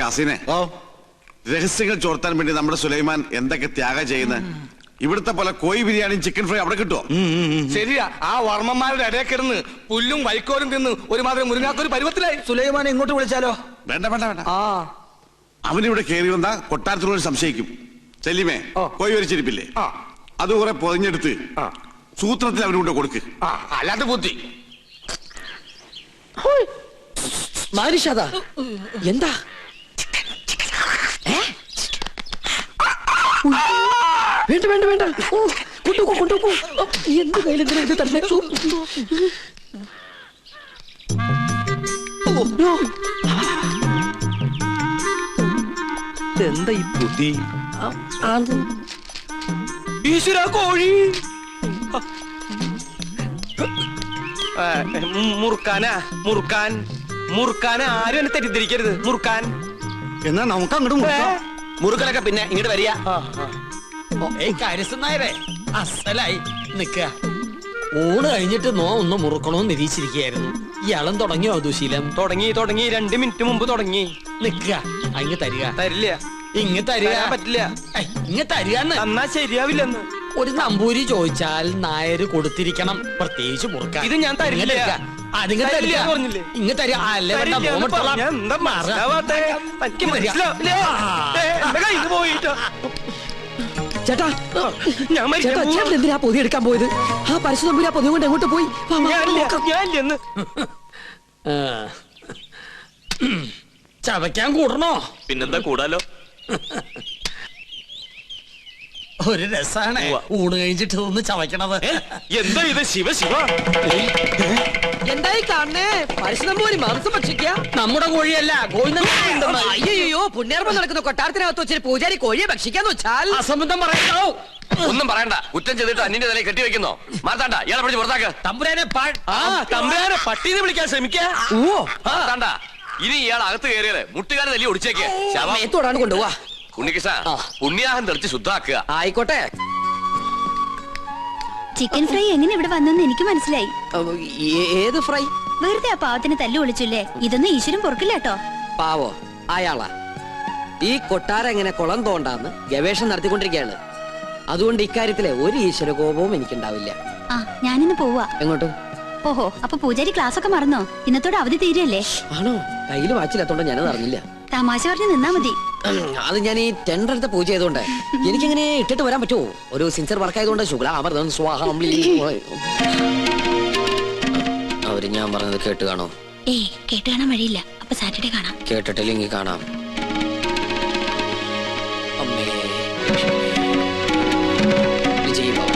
കാസിനെ, രഹസ്യങ്ങൾ ചോർത്താൻ വേണ്ടി നമ്മുടെ സുലൈമാൻ എന്തൊക്കെ ത്യാഗം ചെയ്യുന്നത്. ഇവിടുത്തെ പോലെ കോഴി ബിരിയാണിയും ചിക്കൻ ഫ്രൈ അവിടെ കിട്ടുമോ? ശരിയാ, ആ വർമ്മന്മാരുടെ ഇടയിൽ കിടന്ന് പുല്ലും വൈക്കോലും തിന്ന് ഒരുമാതിരി മുരുങ്ങാത്തൊരു പരുവത്തിലായി. സുലൈമാനെ ഇങ്ങോട്ട് വിളിച്ചാലോ? വേണ്ട വേണ്ട വേണ്ട, അവനിവിടെ കയറി വന്ന കൊട്ടാരത്തിനോട് സംശയിക്കും. ചെല്ലിമേ, കോഴി വരിച്ചിരിപ്പില്ലേ, അത് കുറെ പൊതിഞ്ഞെടുത്ത് സൂത്രത്തിൽ അവനുകൊണ്ട് കൊടുക്ക്. അല്ലാത്ത ബുദ്ധി. എന്താ വേണ്ട വേണ്ട വേണ്ട, കൊണ്ടുപോ കൊണ്ടുപോ. എന്ത് കയ്യിലെന്തിനാ ഇത് തന്നെ? എന്താ ഈ ബുദ്ധി? ഈശ്വര, കോഴി മുറുക്കാനാ, മുറുക്കാൻ മുറുക്കാൻ. ആരും എന്നെ തെറ്റിദ്ധരിക്കരുത്. മുറുക്കാൻ എന്നാ നമുക്ക് അങ്ങോട്ട് മുറുക്കലൊക്കെ പിന്നെ ഇങ്ങോട്ട് വരിക. കാര്യസ്ഥനായരെ അസലായി നിക്ക. ഊണ് കഴിഞ്ഞിട്ട് ഒന്ന് മുറുക്കണോന്ന് നിരീക്ഷിച്ചിരിക്കുകയായിരുന്നു. ഇയാളും തുടങ്ങിയോ ദുശീലം? തുടങ്ങി 2 മിനിറ്റ് മുമ്പ് തുടങ്ങി. നിക്ക, അങ്ങ് തരിക. തരില്ല, ഇങ്ങ് തരിക. പറ്റില്ല. ഇങ്ങ് തരിക. എന്നാ ശരിയാവില്ലെന്ന്. ഒരു നമ്പൂരി ചോദിച്ചാൽ നായര് കൊടുത്തിരിക്കണം, പ്രത്യേകിച്ച് മുറുക്കാൻ. ഇത് ഞാൻ തരില്ല. ഇങ്ങ് തരിക. ചേട്ടാ, ചേട്ടൻ എന്തിനാ പൊതി എടുക്കാൻ പോയത്? ആ പരശുതമ്പുരാ പൊതി കൊണ്ട് എങ്ങോട്ട് പോയി? ചവയ്ക്കാൻ കൂടണോ? പിന്നെന്താ കൂടാലോ. ഒരു രസാണ് ഊണ് കഴിഞ്ഞിട്ട് ഒന്ന് ചവയ്ക്കണത്. എന്താ ഇത്? ശിവ ശിവ, എന്തായി കാണണേ? പരശുതമ്പൂരി മാംസം ഭക്ഷിക്ക. നമ്മുടെ കോഴിയല്ല, അയ്യോ, പുണ്യാർമ്മം നടക്കുന്ന കൊട്ടാരത്തിനകത്ത് വെച്ചിട്ട് പൂജാരി കോഴിയെ ഭക്ഷിക്കാന്ന് വെച്ചാൽ അസംബന്ധം പറയണോ? ഒന്നും പറയണ്ട. കുറ്റം ചെയ്തിട്ട് അന്യന്റെ തലയിൽ കെട്ടിവെക്കുന്നോ? മാർത്താണ്ട, ഇയാളെ പിടിച്ച് പുറത്താക്ക്. തമ്പുരാനെ തമ്പുരാനെ പട്ടീനെ വിളിക്കാൻ ശ്രമിക്കാ. മാർത്താണ്ട, ഇനി ഇയാൾ അകത്ത് കയറിയത് മുട്ടുകാരെ തല്ലി ഒടിച്ചേക്ക്. ശവത്തോടാണ് കൊണ്ടുപോവാ. ഉണ്ണികൃഷ്ണ, പുണ്യാഹം തെളിച്ച് ശുദ്ധാക്കുക. ആയിക്കോട്ടെ. ചിക്കൻ ഫ്രൈ എങ്ങനെ ഇവിടെ വന്നെന്ന് എനിക്ക് മനസ്സിലായി. ഏത് ഫ്രൈ? വെറുതെ ആ പാവത്തിന് തല്ലു വിളിച്ചില്ലേ? ഇതൊന്നും ഈശ്വരൻ പൊറുക്കില്ല കേട്ടോ. പാവോ അയാളാ. ഈ കൊട്ടാരം എങ്ങനെ കുളം തോണ്ടാന്ന് ഗവേഷണം നടത്തിക്കൊണ്ടിരിക്കുകയാണ്. അതുകൊണ്ട് ഇക്കാര്യത്തിലെ ഒരു ഈശ്വര കോപവും എനിക്കുണ്ടാവില്ല. ആ, ഞാനിന്ന് പോവാ. എങ്ങോട്ട്? ഓഹോ, അപ്പൊ പൂജാരി ക്ലാസ് ഒക്കെ മറന്നോ? ഇന്നത്തോടെ അവധി തീരല്ലേ? ആണോ? കയ്യില് വാച്ചിലെത്തോണ്ട് ഞാനത് അറിഞ്ഞില്ല. തമാശ പറഞ്ഞ് നിന്നാ മതി. അത് ഞാൻ ഈ ടെൻഡർ എടുത്ത പൂജ ചെയ്തോണ്ട് എനിക്കെങ്ങനെ ഇട്ടിട്ട് വരാൻ പറ്റുമോ? ഒരു സിൻസിയർ വർക്ക് ആയതുകൊണ്ട് ശുക്ലാമൃതം സ്വാഹം. അവര് ഞാൻ പറഞ്ഞത് കേട്ട് കാണോ? ഏയ്, കേട്ട് കാണാൻ വഴിയില്ല. അപ്പൊ സാറ്റർഡേ കാണാം. കേട്ടിട്ടില്ലെങ്കിൽ കാണാം. അമ്മേ വിജയ് ബാബു.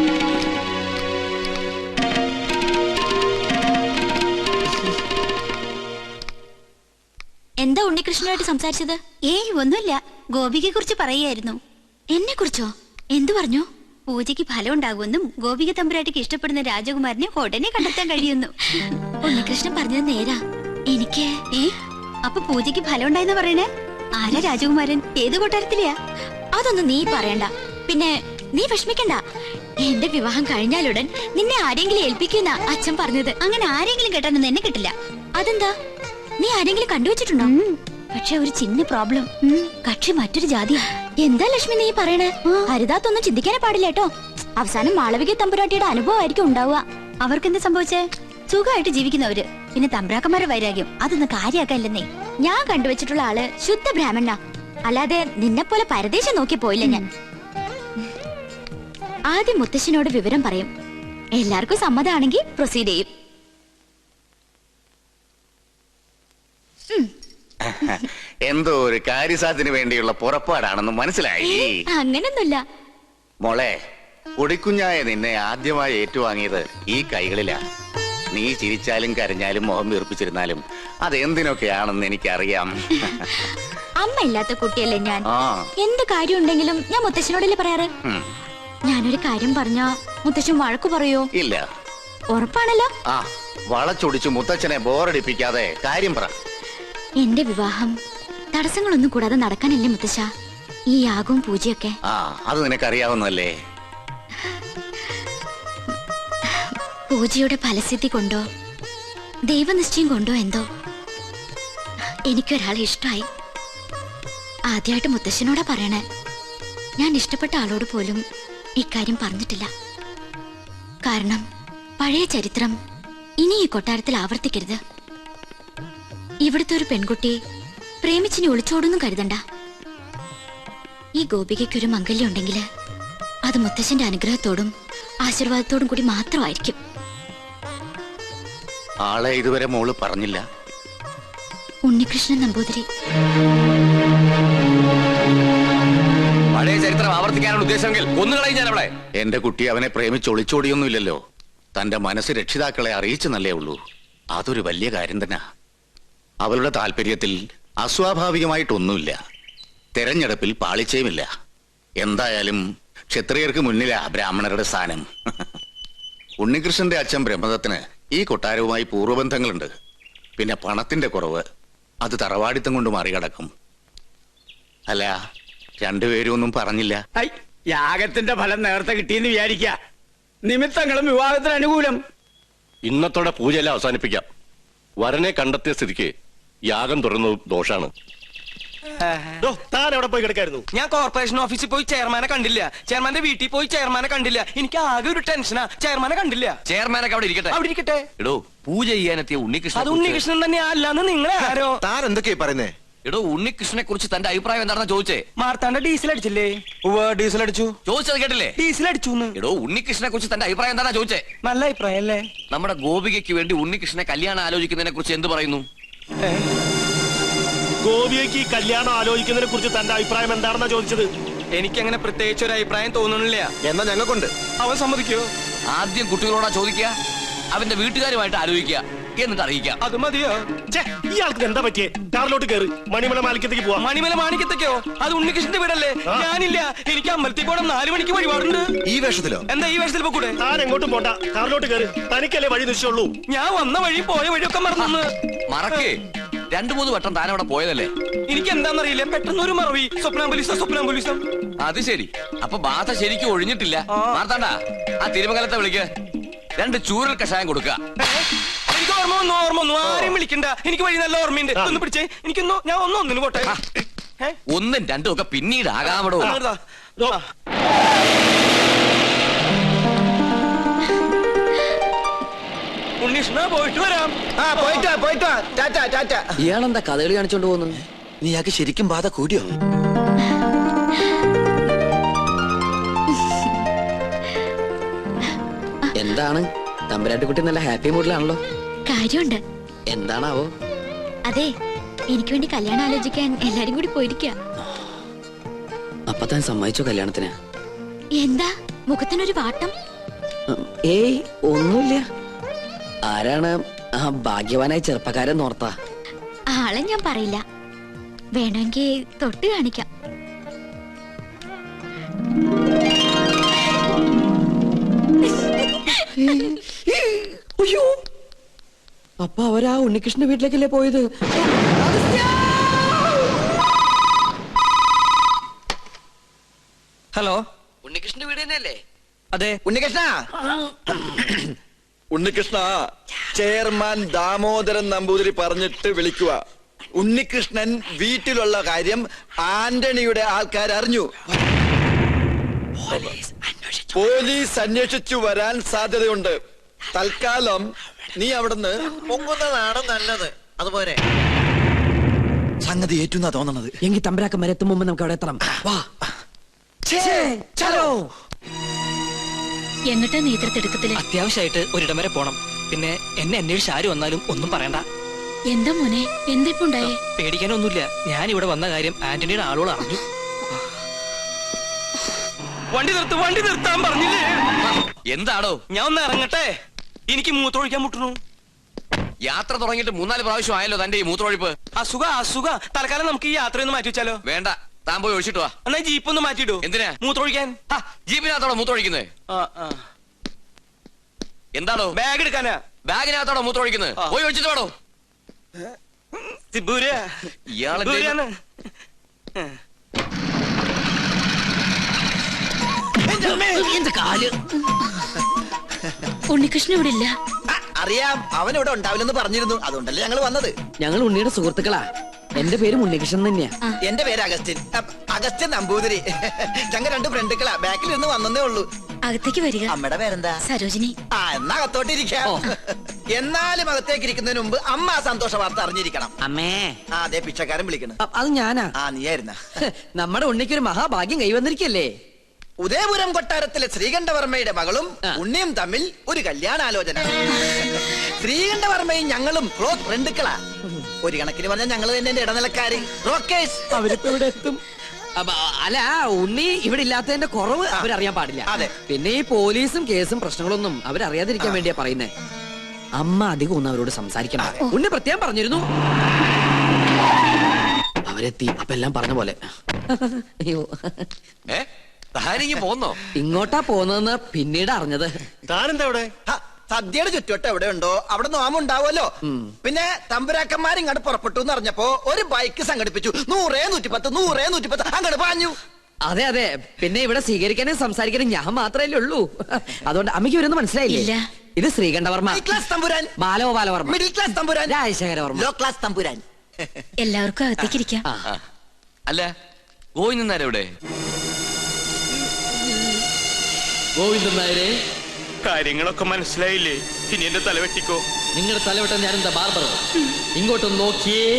എന്താ ഉണ്ണികൃഷ്ണനായിട്ട് സംസാരിച്ചത്? ഏയ്, ഒന്നുമില്ല. ഗോപികയെ കുറിച്ച് പറയായിരുന്നു. എന്നെ കുറിച്ചോ? എന്തു പറഞ്ഞു? പൂജയ്ക്ക് ഫലം ഉണ്ടാകുമെന്നും ഗോപിക തമ്പുരാട്ടിക്ക് ഇഷ്ടപ്പെടുന്ന രാജകുമാരനെ ഉടനെ കണ്ടെത്താൻ കഴിയുന്നു. ഉണ്ണികൃഷ്ണൻ പറഞ്ഞത് നേരാ. എനിക്ക് അപ്പൊ പൂജയ്ക്ക് ഫലം ഉണ്ടായെന്ന് പറയണേ? ആരാ രാജകുമാരൻ? ഏത് കൊട്ടാരത്തിലെയാ? അതൊന്നും നീ പറയണ്ട. പിന്നെ നീ വിഷമിക്കണ്ട. എന്റെ വിവാഹം കഴിഞ്ഞാലുടൻ നിന്നെ ആരെങ്കിലും ഏൽപ്പിക്കുന്ന അച്ഛൻ പറഞ്ഞത്. അങ്ങനെ ആരെങ്കിലും കേട്ടാനൊന്നും എന്നെ കിട്ടില്ല. അതെന്താ? നീ ആരെങ്കിലും കണ്ടുവച്ചിട്ടുണ്ടോ? പക്ഷെ ഒരു ചിന്ന പ്രോബ്ലം. കക്ഷി മറ്റൊരു ജാതിയാ. എന്താ ലക്ഷ്മി നീ പറയണേ? ഹരിതാത്തൊന്നും ചിന്തിക്കാനേ പാടില്ല കേട്ടോ. അവസാനം മാളവിക തമ്പുരാട്ടിയുടെ അനുഭവമായിരിക്കും ഉണ്ടാവുക. അവർക്കെന്താ സംഭവിച്ചേ? സുഖമായിട്ട് ജീവിക്കുന്നവര്. പിന്നെ തമ്പ്രാക്കന്മാരുടെ വൈരാഗ്യം അതൊന്നും കാര്യാക്കല്ലെന്നേ. ഞാൻ കണ്ടുവച്ചിട്ടുള്ള ആള് ശുദ്ധ ബ്രാഹ്മണ. അല്ലാതെ നിന്നെ പോലെ പരദേശം നോക്കി പോയില്ല ഞാൻ. ആദ്യം മുത്തശ്ശനോട് വിവരം പറയും. എല്ലാവർക്കും സമ്മതമാണെങ്കിൽ പ്രൊസീഡ് ചെയ്യും. എന്തോ ഒരു കാര്യസാധ്യത്തിന് വേണ്ടിയുള്ള പുറപ്പാടാണെന്ന് മനസ്സിലായി. അങ്ങനൊന്നുമില്ല മോളെ. പൊടിക്കുഞ്ഞായ നിന്നെ ആദ്യമായി ഏറ്റുവാങ്ങിയത് ഈ കൈകളിലാ. നീ ചിരിച്ചാലും കരഞ്ഞാലും മുഖം വീർപ്പിച്ചിരുന്നാലും അതെന്തിനൊക്കെയാണെന്ന് എനിക്കറിയാം. അമ്മ ഇല്ലാത്ത കുട്ടിയല്ലേ ഞാൻ. എന്ത് കാര്യം ഉണ്ടെങ്കിലും ഞാൻ മുത്തശ്ശനോടല്ലേ പറയാറ്. ഞാനൊരു കാര്യം പറഞ്ഞാ മുത്തശ്ശൻ വഴക്കു പറയോ? ഇല്ല. ഉറപ്പാണല്ലോ. വളച്ചൊടിച്ചു മുത്തച്ഛനെ ബോറടിപ്പിക്കാതെ കാര്യം പറ. എന്റെ വിവാഹം തടസ്സങ്ങളൊന്നും കൂടാതെ നടക്കാനല്ലേ മുത്തശ്ശ ഈ യാഗവും പൂജയൊക്കെ? അത് നിനക്കറിയാവുന്നല്ലേ. പൂജയുടെ ഫലസിദ്ധി കൊണ്ടോ ദൈവനിശ്ചയം കൊണ്ടോ എന്തോ എനിക്കൊരാളെ ഇഷ്ടമായി. ആദ്യമായിട്ട് മുത്തശ്ശനോടാ പറയണേ. ഞാൻ ഇഷ്ടപ്പെട്ട ആളോട് പോലും ഇക്കാര്യം പറഞ്ഞിട്ടില്ല. കാരണം പഴയ ചരിത്രം ഇനി ഈ കൊട്ടാരത്തിൽ ആവർത്തിക്കരുത്. ഇവിടുത്തെ ഒരു പെൺകുട്ടി പ്രേമിച്ചിനി ഒളിച്ചോടൊന്നും കരുതണ്ട. ഈ ഗോപികയ്ക്കൊരു മംഗല്യം ഉണ്ടെങ്കിൽ അത് മുത്തശ്ശന്റെ അനുഗ്രഹത്തോടും ആശീർവാദത്തോടും കൂടി മാത്രമായിരിക്കും. ആളെ ഇതുവരെ മോള് പറഞ്ഞില്ല. ഉണ്ണികൃഷ്ണൻ നമ്പൂതിരി. പഴയ ചരിത്രം ആവർത്തിക്കാനുള്ള ഉദ്ദേശമെങ്കിൽ ഒന്നുകളെ ഞാൻ അവിടെ. എന്റെ കുട്ടി അവനെ പ്രേമിച്ച് ഒളിച്ചോടിയൊന്നുമില്ലല്ലോ. തന്റെ മനസ്സ് രക്ഷിതാക്കളെ അറിയിച്ചെന്നല്ലേ ഉള്ളൂ. അതൊരു വലിയ കാര്യം തന്നെ. അവളുടെ താല്പര്യത്തിൽ അസ്വാഭാവികമായിട്ടൊന്നുമില്ല. തെരഞ്ഞെടുപ്പിൽ പാളിച്ചയുമില്ല. എന്തായാലും ക്ഷത്രിയർക്ക് മുന്നിലാ ബ്രാഹ്മണരുടെ സ്ഥാനം. ഉണ്ണികൃഷ്ണന്റെ അച്ഛൻ ബ്രഹ്മദത്തിന് ഈ കൊട്ടാരവുമായി പൂർവ്വബന്ധങ്ങളുണ്ട്. പിന്നെ പണത്തിന്റെ കുറവ് അത് തറവാടിത്തം കൊണ്ട് മറികടക്കും. അല്ല, രണ്ടുപേരും ഒന്നും പറഞ്ഞില്ല. യാഗത്തിന്റെ ഫലം നേരത്തെ കിട്ടിയെന്ന് വിചാരിക്ക. നിമിത്തങ്ങളും വിവാഹത്തിന് അനുകൂലം. ഇന്നത്തോടെ പൂജയെല്ലാം അവസാനിപ്പിക്കാം. വരനെ കണ്ടെത്തിയ സ്ഥിതിക്ക് യാഗം തുടരുന്നത് ദോഷാണ്. താൻ എവിടെ പോയി കിടക്കായിരുന്നു? ഞാൻ കോർപ്പറേഷൻ ഓഫീസിൽ പോയി ചെയർമാനെ കണ്ടില്ല. ചെയർമാന്റെ വീട്ടിൽ പോയി ചെയർമാനെ കണ്ടില്ല. എനിക്ക് ആകെ ഒരു ടെൻഷനാ. ചെയർമാനെ കണ്ടില്ല. ചെയർമാനൊക്കെ അവിടെ ഇരിക്കട്ടെ. അവിടെ ഇരിക്കട്ടെ. എടോ, പൂജ ചെയ്യാനെത്തിയ ഉണ്ണികൃഷ്ണൻ. അത് ഉണ്ണികൃഷ്ണൻ തന്നെ അല്ലാന്ന് നിങ്ങളെ ആരോ. താൻ എന്തൊക്കെയാ പറയുന്നേ? എടോ, ഉണ്ണികൃഷ്ണനെ കുറിച്ച് തന്റെ അഭിപ്രായം എന്താണെന്ന് ചോദിച്ചേ. മാർത്താണ്ട ഡീസൽ അടിച്ചില്ലേ? ഡീസൽ അടിച്ചു. ചോദിച്ചത് കേട്ടില്ലേ? ഡീസൽ അടിച്ചു. എടോ, ഉണ്ണികൃഷ്ണനെ കുറിച്ച് തന്റെ അഭിപ്രായം എന്താണെന്ന് ചോദിച്ചേ. നല്ല അഭിപ്രായം അല്ലേ? നമ്മുടെ ഗോപികയ്ക്ക് വേണ്ടി ഉണ്ണികൃഷ്ണനെ കല്യാണം ആലോചിക്കുന്നതിനെ കുറിച്ച് എന്ത് പറയുന്നു? ഗോപിയയ്ക്ക് കല്യാണം ആലോചിക്കുന്നതിനെ കുറിച്ച് തന്റെ അഭിപ്രായം എന്താണെന്നാ ചോദിച്ചത്. എനിക്കങ്ങനെ പ്രത്യേകിച്ച് ഒരു അഭിപ്രായം തോന്നണില്ല. എന്നാ ഞങ്ങൾക്കുണ്ട്. അവൻ സമ്മതിക്കോ? ആദ്യം കുട്ടികളോടാ ചോദിക്കുക, അവന്റെ വീട്ടുകാരുമായിട്ട് ആലോചിക്കുക, എന്നിട്ട് അറിയിക്കാം. അത് മതിയോ? ഇയാൾക്ക് എന്താ പറ്റിയേ? കാറിലോട്ട് കയറി മണിമല മാലിക്കത്തേക്ക് പോവാം. മണിമല മാണിക്കത്തേക്കോ? അത് ഉണ്ണികൃഷ്ണന്റെ വീടല്ലേ? ഞാനില്ല. എനിക്ക് അമ്പലത്തിൽ പോകണം. 4 മണിക്ക് വഴിപാടുണ്ട്. ഈ വേഷത്തിലോ? എന്താ ഈ വേഷത്തിൽ പോകൂടെ? താൻ എങ്ങോട്ടും പോണ്ട, കാറിലോട്ട് കയറി. തനിക്കല്ലേ വഴി നിശ്ചയുള്ളൂ. ഞാൻ വന്ന വഴി പോയ വഴിയൊക്കെ മറന്നു. മറക്കേ, 2-3 വട്ടം താൻ അവിടെ പോയതല്ലേ? എനിക്ക് എന്താണെന്നറിയില്ല, പെട്ടെന്ന് ഒരു മറവി. സ്വപ്നാംബുലിസം. അത് ശരി. അപ്പൊ ബാധ ശരിക്കും ഒഴിഞ്ഞിട്ടില്ല. മാർത്താണ്ട, ആ തിരുമംഗലത്തെ വിളിക്ക്. 2 ചൂരൽ കഷായം കൊടുക്കുക. എനിക്ക് ഓർമ്മ വന്നു. ആരെയും വിളിക്കണ്ട. എനിക്ക് വഴി നല്ല ഓർമ്മയുണ്ട്. ഒന്ന് പിടിച്ചേ. എനിക്കൊന്നു ഞാൻ ഒന്നിന് പോട്ടെ. 1ഉം 2ഉം ഒക്കെ പിന്നീട് ആകാമടോ. ഉണ്ണീഷ്ണ, പോയിട്ട് വരാം. പോയിട്ട് ടാറ്റ. ഇയാളെന്താ കഥകളി കാണിച്ചോണ്ട് പോകുന്നു? നീയാക്ക് ശരിക്കും ബാധ കൂടിയോ? എന്താണ് തമ്പുരാട്ടിക്കുട്ടി നല്ല ഹാപ്പി മൂഡിലാണല്ലോ? കാര്യമുണ്ട്. എന്താണാവോ? അതെ, എനിക്ക് വേണ്ടി കല്യാണം ആലോചിക്കാൻ എല്ലാരും കൂടി പോയിരിക്കുക. അപ്പൊ താൻ സമ്മതിച്ചോ കല്യാണത്തിന്? എന്താ മുഖത്തിനൊരു വാട്ടം? ഏയ്, ഒന്നുമില്ല. ആരാണ് ആ ഭാഗ്യവാനായ ചെറുപ്പക്കാരൻ ഓർത്താ? ആളെ ഞാൻ പറയില്ല. വേണമെങ്കിൽ തൊട്ട് കാണിക്കാം. അയ്യോ, അപ്പൊ അവരാ ഉണ്ണികൃഷ്ണന്റെ വീട്ടിലേക്കല്ലേ പോയത്? ഹലോ, ഉണ്ണികൃഷ്ണന്റെ വീട് തന്നെയല്ലേ? അതെ. ഉണ്ണികൃഷ്ണ, ചെയർമാൻ ദാമോദരൻ നമ്പൂതിരി പറഞ്ഞിട്ട് വിളിക്കുക. ഉണ്ണികൃഷ്ണൻ വീട്ടിലുള്ള കാര്യം ആന്റണിയുടെ ആൾക്കാർ അറിഞ്ഞു. പോലീസ് അന്വേഷിച്ചു വരാൻ സാധ്യതയുണ്ട്. തൽക്കാലം നീ അവിടുന്ന് പൊങ്ങുന്നതാണ് നല്ലത്. അതുപോലെ സംഗതി ഏറ്റുന്നാ തോന്നണത്. എങ്കിൽ തമ്പരാക്കം വരെ എത്തും മുമ്പ് നമുക്ക് അവിടെ എത്തണം. വാ. എങ്ങട്ടാ നേതൃത്വത്തില്? അത്യാവശ്യമായിട്ട് ഒരിടം വരെ പോണം. പിന്നെ എന്നെ അന്വേഷിച്ച് ആര് വന്നാലും ഒന്നും പറയണ്ട. എന്താ മോനെ, എന്തിപ്പുണ്ടായേ? പേടിക്കാനൊന്നുമില്ല. ഞാൻ ഇവിടെ വന്ന കാര്യം ആന്റണിയുടെ ആളുകൾ അറിഞ്ഞു. വണ്ടി നിർത്താൻ പറഞ്ഞില്ലേ? എന്താണോ? ഞാൻ ഒന്ന് ഇറങ്ങട്ടെ. എനിക്ക് മൂത്രമൊഴിക്കാൻ മുട്ടുന്നു. യാത്ര തുടങ്ങിയിട്ട് 3-4 പ്രാവശ്യം ആയല്ലോ തന്റെ ഈ മൂത്രമൊഴിപ്പ്. അസുഖ. തൽക്കാലം നമുക്ക് ഈ യാത്രയൊന്ന് മാറ്റി വെച്ചാലോ? വേണ്ട, താൻ പോയി ഒഴിച്ചിട്ട് വാ. എന്നാ ജീപ്പ് ഒന്ന് മാറ്റിയിടൂ. എന്തിനാ? മൂത്രമൊഴിക്കാൻ. ജീപ്പിനകത്തോടെ മൂത്രമൊഴിക്കുന്നത്? എന്താണോ? ബാഗ് എടുക്കാനാ. ബാഗിനകത്തോടെ മൂത്രമൊഴിക്കുന്നത്? പോയി ഒഴിച്ചിട്ട് വേണോ? ഇയാളെ ഉണ്ണികൃഷ്ണൻ ഇവിടെ ഇല്ല. അറിയാം, അവൻ ഇവിടെ ഉണ്ടാവില്ലെന്ന് പറഞ്ഞിരുന്നു. അതുകൊണ്ടല്ലേ ഞങ്ങൾ വന്നത്. ഞങ്ങൾ ഉണ്ണിയുടെ സുഹൃത്തുക്കളാ. എന്റെ പേര് ഉണ്ണികൃഷ്ണൻ തന്നെയാ. എന്റെ പേര് അഗസ്റ്റിൻ. അഗസ്റ്റിൻ നമ്പൂതിരി. ഞങ്ങൾ 2 ഫ്രണ്ടുക്കളാ. ബാക്കിൽ ഇരുന്ന് വന്നേ ഉള്ളൂ. അകത്തേക്ക് വരിക. അമ്മയുടെ പേരെന്താ? സരോജിനി. എന്നാ അകത്തോട്ടിരിക്കാം. എന്നാലും അകത്തേക്ക് ഇരിക്കുന്നതിന് മുമ്പ് അമ്മ ആ സന്തോഷ വാർത്ത അറിഞ്ഞിരിക്കണം. അമ്മേ. അതെ പിച്ചക്കാരൻ വിളിക്കണം. അത് ഞാനാ. നീയായിരുന്ന. നമ്മുടെ ഉണ്ണിക്കൊരു മഹാഭാഗ്യം കൈവന്നിരിക്കല്ലേ. ഉദയപുരം കൊട്ടാരത്തിലെ ശ്രീകണ്ഠവർമ്മയുടെ മകളും ഉണ്ണിയും തമ്മിൽ ഒരു കല്യാണാലോചന. ശ്രീകണ്ഠവർമ്മയും ഞങ്ങളും ക്ലോസ് ഫ്രണ്ടുക്കളാ. ഒരു കണക്കിന് പറഞ്ഞാൽ ഞങ്ങൾ തന്നെ എന്റെ ഇടനിലക്കാര്. റോക്കേഴ്സ്. അവരിപ്പോ ഇവിടെ എത്തും. അല്ല, ഉണ്ണി ഇവിടെ ഇല്ലാത്തതിന്റെ കുറവ് അവരറിയാൻ പാടില്ല. പിന്നെ ഈ പോലീസും കേസും പ്രശ്നങ്ങളൊന്നും അവരറിയാതിരിക്കാൻ വേണ്ടിയാ പറയുന്നേ. അമ്മ അധികം ഒന്നും അവരോട് സംസാരിക്കണം. ഉണ്ണി പ്രത്യേകം പറഞ്ഞിരുന്നു. അവരെത്തി. അപ്പൊ എല്ലാം പറഞ്ഞ പോലെ. അയ്യോ, പോന്നോ? ഇങ്ങോട്ടാ പോന്നെന്ന് പിന്നീട് അറിഞ്ഞത്. താനെന്താ ഇവിടെ? സദ്യയുടെ ചുറ്റുവട്ടം എവിടെ ഉണ്ടോ അവിടെ നോമുണ്ടാവുമല്ലോ. പിന്നെ തമ്പുരാക്കന്മാർ ഇങ്ങോട്ട് പുറപ്പെട്ടു എന്ന് അറിഞ്ഞപ്പോ ഒരു ബൈക്ക് സംഘടിപ്പിച്ചു. 100, 110, 100, 110 അങ്ങോട്ട് പാഞ്ഞു. അതെ അതെ. പിന്നെ ഇവിടെ സ്വീകരിക്കാനും സംസാരിക്കാനും ഞാൻ മാത്രമല്ലേ ഉള്ളൂ. അതുകൊണ്ട് അമ്മയ്ക്ക് ഇവരൊന്നും മനസ്സിലായില്ല. ഇത് ശ്രീകണ്ഠവർമ്മ, ക്ലാസ് തമ്പുരാൻ. ബാലഗോപാലവർമ്മ, മിഡിൽ ക്ലാസ് തമ്പുരാൻ. രാജശേഖരവർമ്മ, ലോ ക്ലാസ് തമ്പുരാൻ. എല്ലാവർക്കും അകത്തേക്ക് ഇരിക്കാം. അല്ല, ഗോവിന്ദൻ നായർ എവിടെ? ഗോവിന്ദൻ നായരെ, കാര്യങ്ങളൊക്കെ മനസ്സിലായില്ലേ? ഇനി എന്റെ തല വെട്ടിക്കോ. നിങ്ങളുടെ തലവെട്ടം ഞാനെന്താ ബാർബറോ? ഇങ്ങോട്ടൊന്ന് നോക്കിയേ.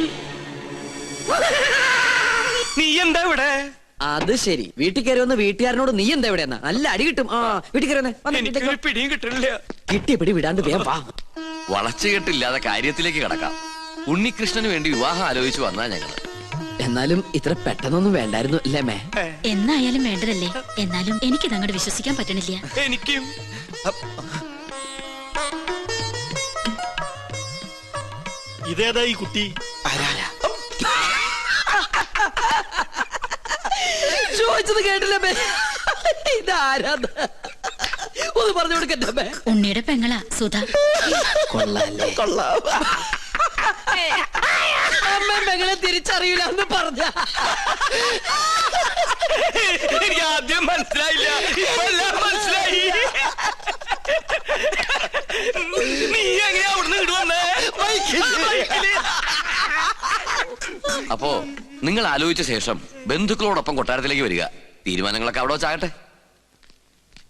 നീ എന്താ ഇവിടെ? അത് ശരി. വീട്ടിൽ കയറി വന്ന് വീട്ടുകാരനോട് നീ എന്താ ഇവിടെ എന്നാ നല്ല അടി കിട്ടും. വീട്ടിൽ കയറി എനിക്ക് പിടിയും കിട്ടണില്ല. കിട്ടിയ പിടി വിടാണ്ട് വേഗം വാ. വളച്ചുകെട്ടില്ലാതെ കാര്യത്തിലേക്ക് കടക്കാം. ഉണ്ണികൃഷ്ണന് വേണ്ടി വിവാഹം ആലോചിച്ചു വന്നാ ഞങ്ങള്. എന്നാലും ഇത്ര പെട്ടെന്നൊന്നും വേണ്ടായിരുന്നു അല്ലേ മേ? എന്നായാലും വേണ്ടതല്ലേ. എന്നാലും എനിക്കിത് അങ്ങോട്ട് വിശ്വസിക്കാൻ പറ്റണില്ല. എനിക്കും. ഇതേതാ ഈ കുട്ടി? ചോദിച്ചത് കേട്ടില്ല മേ. ഇതാരാ? ഒന്ന് പറഞ്ഞു കൊടുക്കട്ടെ മേ. ഉണ്ണിയുടെ പെങ്ങളാ സുധ. കൊള്ളാല്ലേ? കൊള്ളാം. അമ്മ പെങ്ങളെ തിരിച്ചറിയില്ല എന്ന് പറഞ്ഞ എനിക്ക് ആദ്യം മനസ്സിലായില്ല, ഇപ്പെല്ലാം മനസ്സിലായി. നീ എങ്ങനെയാ അവിടുന്ന് ഇടുവന്നേ? അപ്പോ നിങ്ങൾ ആലോചിച്ച ശേഷം ബന്ധുക്കളോടൊപ്പം കൊട്ടാരത്തിലേക്ക് വരിക. തീരുമാനങ്ങളൊക്കെ അവിടെ വെച്ചാകട്ടെ.